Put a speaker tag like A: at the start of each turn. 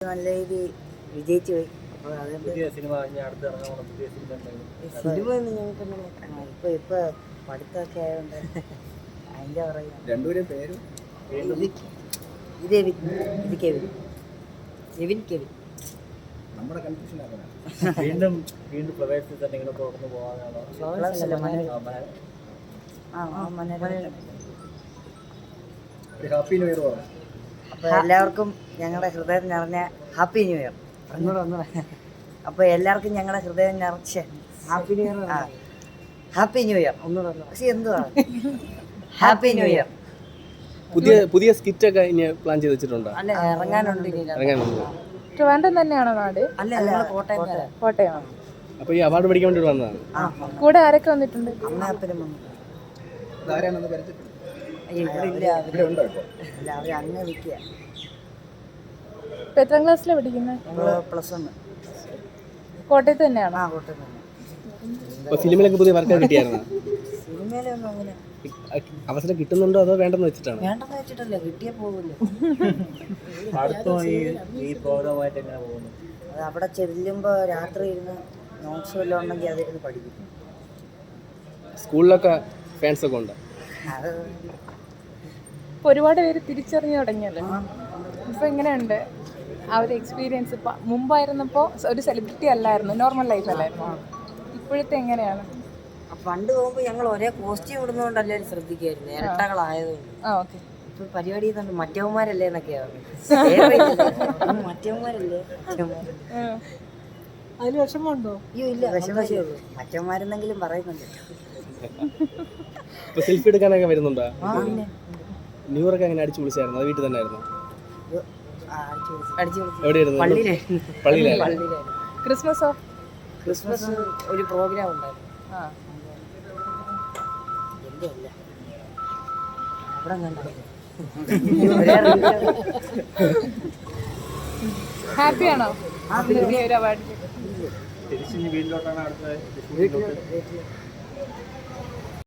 A: നല്ല രീതിയിൽ വിജയിച്ചു പോയി. അപ്പോൾ അതുകൊണ്ട്
B: പുതിയ സിനിമ അടുത്ത് ഇറങ്ങാൻ പുതിയ സിനിമ
A: സിനിമ ഒന്നും ഞങ്ങൾക്ക് ഇപ്പൊ പഠിത്തമൊക്കെ ആയതുകൊണ്ട് അതിൻ്റെ പറയുക.
C: രണ്ടുപേരും പേരും
A: ഇത് കെവിൻ കെവിൻ
C: നമ്മുടെ കൺഫ്യൂഷൻ ആക്കണം.
B: വീണ്ടും പ്രവേശത്തിൽ തന്നെ ഇങ്ങനെ തുറന്നു പോകാനാണോ? ഒരു ഹാപ്പി ന്യൂ ഇയർ പറഞ്ഞു.
A: അപ്പോൾ എല്ലാവർക്കും ഞങ്ങളുടെ ഹൃദയം നിറഞ്ഞ ഹാപ്പി ന്യൂ ഇയർ. അപ്പോൾ എല്ലാവർക്കും ഞങ്ങളുടെ ഹൃദയം നിറച്ച happy new year. Happy new year പക്ഷെ എന്തുവാ ഹാപ്പി ന്യൂ ഇയർ.
D: പുതിയ സ്കിറ്റ് ഒക്കെ ഇനി പ്ലാൻ ചെയ്ത് വെച്ചിട്ടുണ്ടോ?
A: അല്ല, ഇറങ്ങാനുണ്ട്.
E: ട്രിവാൻഡ്രം തന്നെയാണോ നാട്?
A: അല്ല,
E: കോട്ടയം.
D: അപ്പൊ ഈ അവാർഡ് മേടിക്കാൻ വേണ്ടി വന്നതാണ്.
E: കൂടെ ആരൊക്കെ വന്നിട്ടുണ്ട്?
A: അമ്മയപ്പനും വന്നു.
C: ഇതാരാണെന്ന് പരിചയപ്പെടും.
A: ഇല്ല,
C: ഇവിടെ ഉണ്ടോ ഇപ്പോൾ?
A: അല്ല, അവർ അങ്ങ് നിൽക്കുക.
E: ഇപ്പൊ എത്രാം ക്ലാസ്സിലാണ് പഠിക്കുന്നത്?
A: +1.
E: കോട്ടയത്ത് തന്നെയാണോ?
A: കോട്ടയം തന്നെ.
D: അപ്പൊ ഫിലിമിലൊക്കെ പുതിയ വർക്ക് കിട്ടിയായിരുന്നോ?
A: സിനിമയിലൊന്നും അങ്ങനെ
D: അവസരം കിട്ടുന്നുണ്ടോ അതോ വേണ്ടെന്ന് വെച്ചിട്ടാണ്?
A: വേണ്ടെന്ന് വെച്ചിട്ടല്ലേ, കിട്ടിയാൽ പോകില്ല.
B: അടുത്തും ഈ പ്രോഗ്രാമായിട്ട് എങ്ങനെ പോകുന്നു?
A: അത് അവിടെ ചെല്ലുമ്പോൾ രാത്രി ഇരുന്ന് നോട്ട്സ് വല്ലതും ഉണ്ടെങ്കിൽ അതിരുന്ന് പഠിക്കും.
D: സ്കൂളിലൊക്കെ ഫാൻസ് ഒക്കെ ഉണ്ട്.
A: അത്
E: ഇപ്പൊ ഒരുപാട് പേര് തിരിച്ചറിഞ്ഞു തുടങ്ങിയല്ലോ. ഇപ്പൊ എങ്ങനെയുണ്ട് ആ ഒരു എക്സ്പീരിയൻസ്? ഇപ്പൊ മുമ്പായിരുന്നപ്പോ ഒരു സെലിബ്രിറ്റി അല്ലായിരുന്നു, നോർമൽ ലൈഫ് അല്ലായിരുന്നു. ഇപ്പോഴത്തെ എങ്ങനെയാണ്?
A: പണ്ട് പോകുമ്പോൾ ഞങ്ങൾ ഒരേ കോസ്റ്റ്യൂം ഇടുന്നതുകൊണ്ട് എല്ലാവരും ശ്രദ്ധിക്കുമായിരുന്നു, ഇരട്ടകളായതുകൊണ്ട്.
E: ഓക്കെ.
A: ഇപ്പൊ പരിപാടി ചെയ്യുന്നുണ്ട് മറ്റവന്മാരല്ലേ എന്നൊക്കെയാണ്. മറ്റവന്മാരല്ലേ
E: അതിന് വിഷമമുണ്ടോ?
A: അയ്യോ ഇല്ല, വിഷമേ ഉള്ളൂ. മറ്റവന്മാരെന്നെങ്കിലും പറയുന്നുണ്ട്.
D: ഇപ്പൊ സെൽഫി എടുക്കാനൊക്കെ വരുന്നുണ്ടോ?
A: പിന്നെ
D: ന്യൂ ഇയർ ഒക്കെ അങ്ങനെ അടിച്ചു വിളിച്ചായിരുന്നു? അത് വീട്ടിൽ തന്നെ ആയിരുന്നു?
A: അടിച്ചു
D: എവിടെയായിരുന്നു? പള്ളിയിലായിരുന്നു.
E: ക്രിസ്മസോ?
A: ക്രിസ്മസ് ഒരു പ്രോഗ്രാം ഉണ്ടായിരുന്നു. എന്റെ അല്ല, അവിടെ
E: ഹാപ്പിയാണോ ഒരു അവാർഡ്?
B: തിരിച്ച് വീട്ടിലോട്ടാണ് അടുത്ത
A: വീട്ടിലോട്ട്